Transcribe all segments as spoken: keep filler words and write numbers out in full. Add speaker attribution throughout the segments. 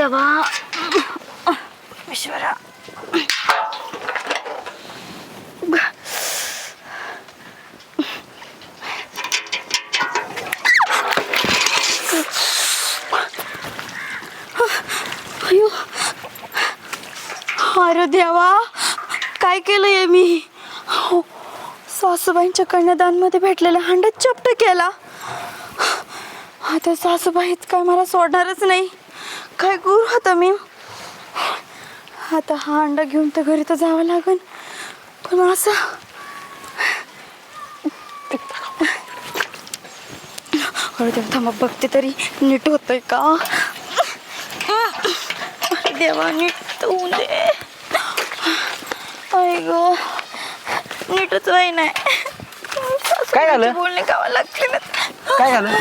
Speaker 1: देवा ईश्वरा. अयो अरे देवा काय केलंय मी. हो, सासूबाईंच्या कन्यादानमध्ये भेटलेला हांडा चपट केला. आता सासूबाईच काय मला सोडणारच नाही. काय करू आता मी. आता हा अंडा घेऊन तर घरी तर जावं लागेल. पण असं अरे देवा थांबा बघते तरी नीट होतंय का. अरे देवा नीट होऊ दे. आई ग नीटच व्हाय नाही.
Speaker 2: काय झालं?
Speaker 1: बोलणे गावा लागते ना.
Speaker 2: काय झालं?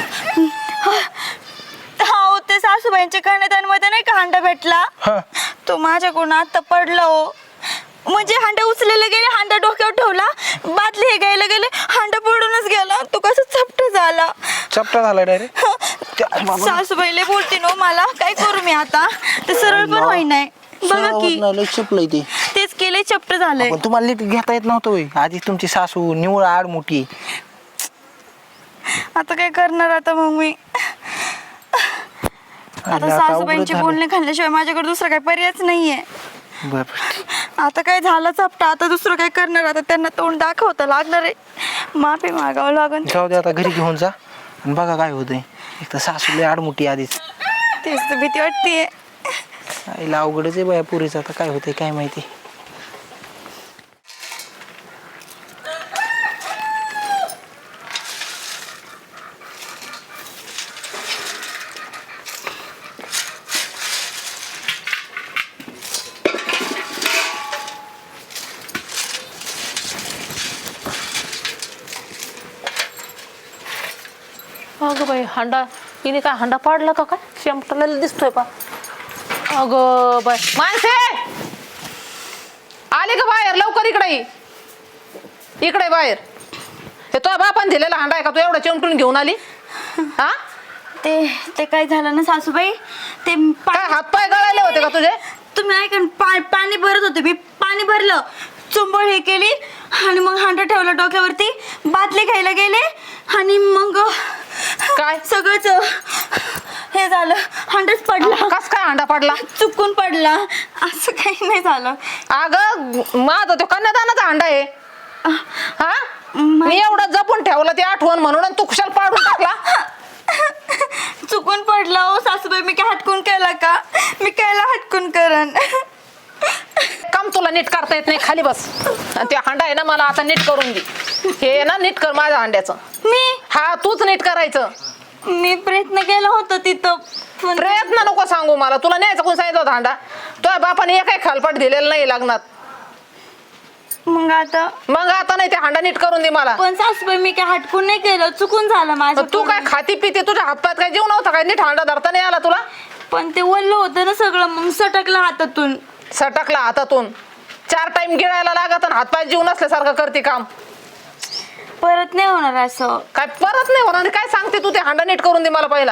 Speaker 1: हा ते सासूबाईंच्या कन्यादानमध्ये नाही का हांडा भेटला तो माझ्याकडून आता पडला हो. म्हणजे हांडा उचलायला गेले हांडा डोक्यावर ठेवला बादली हे घ्यायला गेले हांडा पडूनच गेला. तो कसं चपट झाला.
Speaker 2: चपटा झाला डायरेक्ट.
Speaker 1: सासूबाईले बोलते ना मला काय करू मी आता. ते सरळ पण होई नाही बघा की
Speaker 2: चपलंय ते
Speaker 1: तेच केले चपट झालंय.
Speaker 2: पण तुम्हाला नीट घेता येत नव्हतं होय. आधी तुमची सासू निवळ आड मोठी.
Speaker 1: आता काय करणार आता मग मी. आता सासूबाईंचे बोलणे खाल्ल्याशिवाय माझ्याकडे दुसरा काही पर्यायच नाहीये. आता काय झालं चपटा आता दुसरं काय करणार. आता त्यांना तोंड दाखवता लागणार आहे. माफी मागावं लागेल.
Speaker 2: जाऊ दे आता घरी घेऊन जा आणि बघा काय होतंय. एक तर सासूले आडमुठी आधीच.
Speaker 1: तेच तर भीती वाटतेय.
Speaker 2: आईला अवघडच आहे बाया पुरीचं. आता काय होतंय काय माहिती.
Speaker 3: अगं बाई हांडा हिने काय हांडा पाडला का काय शेमटाला दिसतोय पा. अगं बाई माणसे आले का बाहेर लवकर इकडे ये. इकडे बाहेर. हे तो बापान दिलेला हांडा आहे का तू एवढा चिमटून घेऊन आली. हा
Speaker 1: ते ते काय झालं ना सासूबाई ते
Speaker 3: काय हातपाय गळाले होते का तुझे.
Speaker 1: तुम्ही ऐका ना पाणी भरत होते मी पाणी भरलं चुंबळ हे केली आणि मग हांडा ठेवला डोक्यावरती बादली घ्यायला गेले आणि मग
Speaker 3: काय
Speaker 1: सगळंच हे झालं हांडाच पडला.
Speaker 3: कस काय हांडा पडला.
Speaker 1: चुकून पडला असं काही नाही झालं.
Speaker 3: अगं माझा तो कन्यादानाचा हांडा आहे. हा मी एवढं जपून ठेवलं ते आठवण म्हणून तू कुशाल पाडून टाकला.
Speaker 1: चुकून पडला हो सासूबाई. मी काय हटकून केला का. मी कायला हटकून करन.
Speaker 3: काम तुला नीट करता येत नाही. खाली बस. ते हांडा आहे ना मला आता नीट करून दे. हे ना नीट कर माझ्या हांड्याचं.
Speaker 1: मी
Speaker 3: हा तूच नीट करायचं.
Speaker 1: मी प्रयत्न केला होता तिथं.
Speaker 3: प्रयत्न नको सांगू मला. तुला न्यायचं कोण सांगितलं होता हांडा. तुझ्या बापाने एकही खालपाट दिलेलं नाही लग्नात.
Speaker 1: मग आता
Speaker 3: मग आता नाही ते हांडा नीट करून दे मला.
Speaker 1: पण सासूबाई मी काय हटकून नाही केलं चुकून झालं माझं.
Speaker 3: तू काय खाती पिते तुझ्या हातपात काय जीव नव्हता काय नीट हांडा धरता नाही आला तुला.
Speaker 1: पण ते ओल्लं होतं ना सगळं मग सटकलं हातातून.
Speaker 3: सटकला हातातून. चार टाइम गिळायला लागत आणि हातपाय जीव नसल्यासारखं करते काम.
Speaker 1: परत नाही होणार असं.
Speaker 3: काय परत नाही होणार. काय सांगते तू ते हांडा नीट करून दे मला पहिला.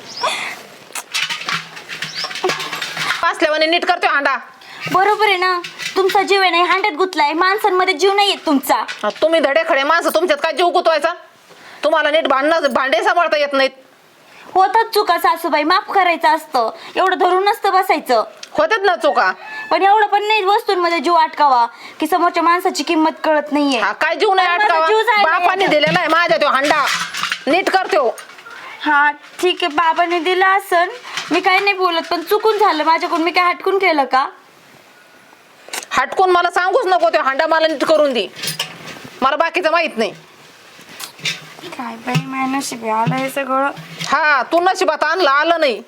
Speaker 3: पासल्यावाने नीट करते हांडा.
Speaker 1: बरोबर आहे ना तुमचा जीव आहे नाही हांड्यात गुतलाय. माणसांमध्ये जीव नाही येत तुमचा.
Speaker 3: तुम्ही धडे खडे माणसं तुमच्यात काय जीव गुतवायचा. तुम्हाला नीट भांडणं भांडे सांभाळता येत नाहीत.
Speaker 1: होतात चुका सासूबाई माफ करायचं असतं. एवढं धरून नसतं बसायचं.
Speaker 3: होतात ना चुका.
Speaker 1: पण एवढं पण नाही वस्तूंमध्ये जीव अटकावा की समोरच्या माणसाची किंमत कळत नाहीये.
Speaker 3: हा काय जीव नाही अटकावा. बापाने दिलेला आहे माझ्या तो हांडा नीट करतो.
Speaker 1: हा ठीक आहे बाबाने दिला असन. मी काय नाही बोलत पण चुकून झालं माझ्याकडून. मी काय हटकून केलं का.
Speaker 3: हटकून मला सांगूच नको. तो हांडा मला नीट करून दे. मला बाकीचं माहित नाही.
Speaker 1: काय बाई माझ्या नशिबी आलं हे सगळं.
Speaker 3: हा तू नशिबात आणलं आलं नाही.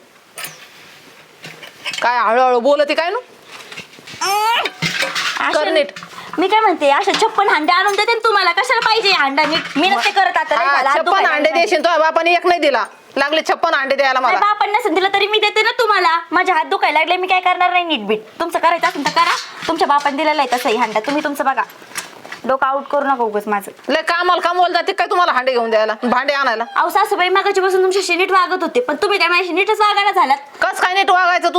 Speaker 3: काय हळूहळू बोलते काय ना कर नीट.
Speaker 1: मी काय म्हणते अशा छप्पन हांडे आणून देते ना तुम्हाला. कशाला पाहिजे हांडा नीट. मी नसते करत आता.
Speaker 3: छप्पन अंडे देशील तो बापाने एक नाही दिला. लागले छप्पन अंडे द्यायला मला.
Speaker 1: बापांना नसेल दिलं तरी मी देते ना तुम्हाला. माझे हात दुखायला लागले. मी काय करणार नाही नीट बीट. तुमचं करायचं असेल तर करा. तुमच्या बापाने दिलेला आहे तसंही हांडा. तुम्ही तुमचं बघा. डोकं आउट करू नका उगाच माझं.
Speaker 3: लय कामाला कामाला जाते काय तुम्हाला हांडे घेऊन द्यायला भांडे आणायला.
Speaker 1: अहो सासूबाई मागाची पासून तुमच्याशी नीट वागत होते पण तुम्ही काय माझ्याशी नीटच वागायला झालात.
Speaker 3: कस काय नीट वागायचं. तू तू माझा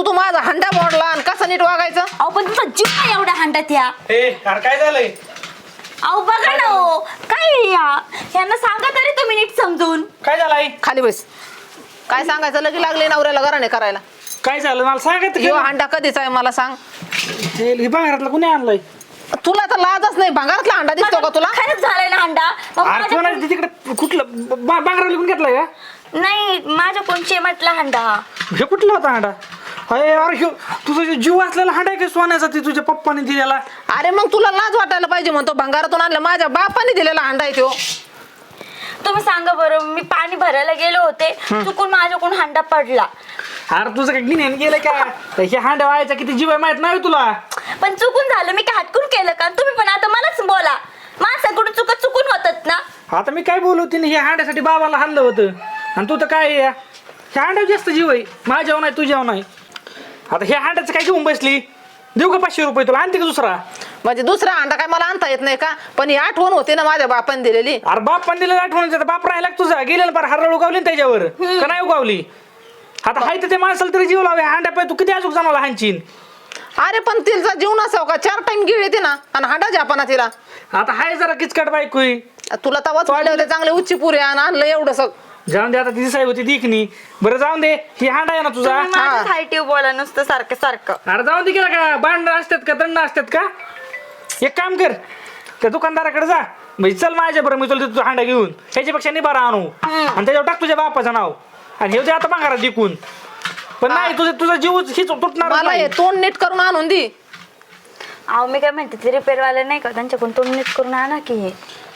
Speaker 3: हंडा मोडला आणि कसं नीट वागायचं.
Speaker 1: अहो पण तुमचा जीव नाही एवढ्या हांड्यात या.
Speaker 2: ए अरे काय झालंय?
Speaker 1: अहो बघा ना हो काय आहे या यांना सांगा तरी तुम्ही नीट समजून.
Speaker 2: काय झालं आई?
Speaker 3: खाली बस. काय सांगायचं लगी लागले नवऱ्याला घराने करायला.
Speaker 2: काय झालं मला सांगत
Speaker 3: ह्यो हांडा कधीचा आहे मला सांग.
Speaker 2: घरातला कुणी आणलाय?
Speaker 3: तुला तर लाजच नाही. भंगारातला हांडा दिसतो का तुला?
Speaker 1: खरंच झालंय ना हांडा. मग
Speaker 2: अरे
Speaker 1: माझ्या-
Speaker 2: कोणाला तिकडे कुठलं बांगरा लिहून घेतलाय का?
Speaker 1: नाही माझ्या कोण चेमटला हांडा हा.
Speaker 2: हे कुठला होता हांडा? अरे अरे ह्यो तुझा जो जीव असलेला हांडा आहे का सोन्याचा ते तुझ्या पप्पाने दिलेला?
Speaker 3: अरे मग तुला लाज वाटायला पाहिजे म्हणतो. भंगारातून आणलं माझ्या बापाने दिलेला हांडा आहे तो.
Speaker 1: तुम्ही सांगा बरं मी पाणी भरायला गेले होते चुकून माझ्याकडून हांडा पडला.
Speaker 2: अरे तुझं काय गिन्यान गेलं का? हे हांडा व्हायचा किती जीव आहे माहित नाही तुला?
Speaker 1: पण चुकून झालं मी काय हटकून केलं का? तुम्ही पण आता मलाच बोला. माणसाकडून चुका चुकून होतात ना.
Speaker 2: आता मी काय बोलू तिने हे हांड्यासाठी बाबाला हाणलं होतं आणि तू तर काय आहे? ह्या हांड्यावर जास्त जीव आहे माझ्यावर नाही तुझ्यावर नाही. आता हे हांड्याचं काय घेऊन बसली? देऊ का पाचशे रुपये तुला? आणते का दुसरा?
Speaker 3: म्हणजे दुसरा हांडा काय मला आणता येत नाही का? पण ही आठवण होती ना माझ्या बापाने दिलेली.
Speaker 2: अरे बाप पण दिलेला आठवण बाप राहिला का तुझा? गेलेला पार हरळ उगावली ना त्याच्यावर का नाही उगावली? आता हाय तर ते माणसाला तरी जीव लावे हांड्या पाय तू किती अजून जमाला हांचीन.
Speaker 3: अरे पण तिचा जीव नसाव का? चार टाइम गिळ येते ना आणि हांडा जापाना तिला.
Speaker 2: आता हाय जरा किचकट बायकोय.
Speaker 3: तुला तवाच वाढले होते चांगले उच्ची पुरे आणि आणलं एवढं सग.
Speaker 2: जाऊन दे आता ती दिसाय होती दिखनी. बरं जाऊन दे ही हांडा आहे ना तुझा.
Speaker 1: तुम्ही माझ्या साईटीव बोला नुसतं सारखं सारखं.
Speaker 2: अरे जाऊन दे केला का? भांड असतात का दंड असतात का? एक काम कर त्या दुकानदाराकडे जा म्हणजे चल माझ्या बरं मी तुला देतो हांडा घेऊन. ह्याच्यापेक्षा निबारा आणू आणि त्याच्यावर टाक तुझ्या बापाचं नाव आणि हे आता भांगारात दिकून. पण नाही तुझं तुझा जीव हीच तुटणार
Speaker 3: मला हे तोंड नीट करून आणून दे.
Speaker 1: अहो मी काय म्हणते ते रिपेअरवाले नाही का त्यांच्याकडून तोंड नीट करून आणा की हे.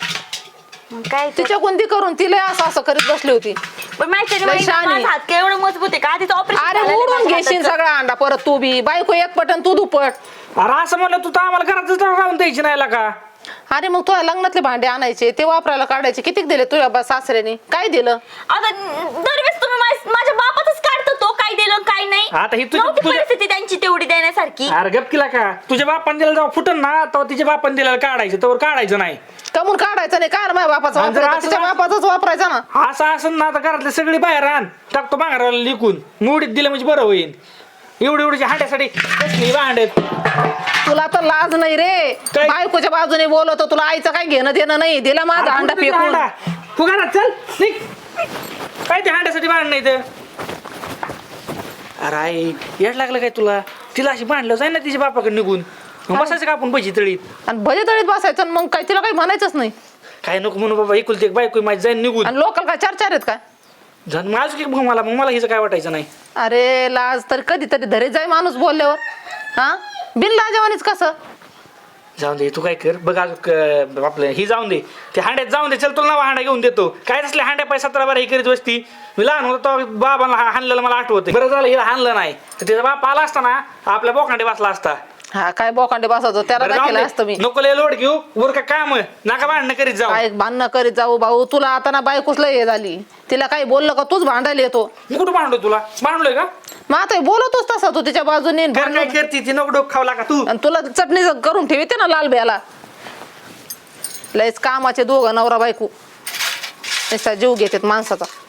Speaker 1: मग काय ते-
Speaker 3: तिच्या कोणती करून तिला असं असं करीत बसली होती.
Speaker 1: पण माहिती
Speaker 3: लय शहाणी.
Speaker 1: माझा हात काय एवढं मजबूत आहे का? आधीच
Speaker 3: अरे
Speaker 1: ऑपरेशन
Speaker 3: उडून घेशील सगळा अंडा परत तू बी. बायको एक पटन तू दुपट.
Speaker 2: अरे असं म्हणलं तू तर आम्हाला घरातच राहून द्यायची नाही का?
Speaker 3: अरे मग तुझ्या लग्नातले भांडे आणायचे ते वापरायला काढायचे. किती दिले तुझ्या बा सासऱ्याने? काय दिलं?
Speaker 1: आता दरवेळेस तुम्ही माझ- माझ्या बापातच काढतो तो काय दिलं काय नाही.
Speaker 2: आता ही तुझी-
Speaker 1: नव्हती
Speaker 2: तुझ्या-
Speaker 1: परिस्थिती त्यांची तेवढी देण्यासारखी.
Speaker 2: अरे गप केला का? तुझ्या बापान दिलं जेव्हा फुटन ना तेव्हा तिच्या बापान दिलेलं काढायचं तेव्हा काढायचं नाही.
Speaker 3: कमून काढायचं नाही काय माझ्या बापाचा
Speaker 2: आणि जर
Speaker 3: वापरायचा
Speaker 2: असं-
Speaker 3: तिच्या बापाचाच वापरायचा ना.
Speaker 2: असं असं ना आता घरातले सगळी बाहेर आण टाकतो भांगाराला लिकून मोडीत दिलं म्हणजे बरं होईल. एवढी एवढीच्या हांड्यासाठी कसली भांडत.
Speaker 3: तुला तर लाज नाही रे.
Speaker 2: काय?
Speaker 3: बायकोच्या बाजूने बोलवतो तुला आईचं काय घेणं देणं नाही. दिला माझा अंडा फेकून.
Speaker 2: तू घरात चल निघ. काय ते हांड्यासाठी भांडण नाही तर? अरे आई येड लागलं काय तुला? तिला अशी भांडलं जाईल ना तिच्या बापाकडे निघून मग बसायचं का आपण भजी तळीत?
Speaker 3: आणि भजे तळीत बसायचं आणि मग काय तिला काही म्हणायचंच नाही.
Speaker 2: काय नको म्हणू बाबा एकुलती एक बायको माझी जाईन निघून.
Speaker 3: आणि लोकल काय चार चार आहेत काय?
Speaker 2: जाऊन माझं की मला मग मला हिचं काय वाटायचं नाही.
Speaker 3: अरे लाज तर कधीतरी धरे जाय माणूस बोलल्यावर. हा बिन लाजवानीच कसं?
Speaker 2: जाऊन दे तू काय कर बघ अजून आपलं ही जाऊन दे ते हांड्यात जाऊन दे. चल तुला नवा हांडा घेऊन देतो. काय असले हांड्या पाय सतरा बारा ही करीत बसती. मी लहान होतो तेव्हा बाबाला हाणलेलं मला आठवतं. बरं झालं हिला हाणलं नाही तर त्याचा बाप आला असता ना आपल्या बोकांडे बसला असता.
Speaker 3: हा काय बोकांडे बसायचो त्याला
Speaker 2: बरं जाऊ
Speaker 3: दाखवलं
Speaker 2: दे.
Speaker 3: असतं मी.
Speaker 2: नको लय लोड घेऊ वर का काम नका भांडणं करीत जाऊ.
Speaker 3: काय भांडणं करीत जाऊ भाऊ. तुला आता ना बायकोच लय हे झाली. तिला काही बोललं का तूच भांडायला येतो.
Speaker 2: मी कुठं भांडलो तुला? भांडलोय का?
Speaker 3: मग आता हे बोलतोच तसा तू तिच्या बाजूने.
Speaker 2: घर काय करते ती नको डोक खावला का तू?
Speaker 3: आणि तुला चटणी करून ठेवते ना लाल ब्याला. लयच कामाचे दोघं नवरा बायको नुसता जीव घेतात माणसाचा.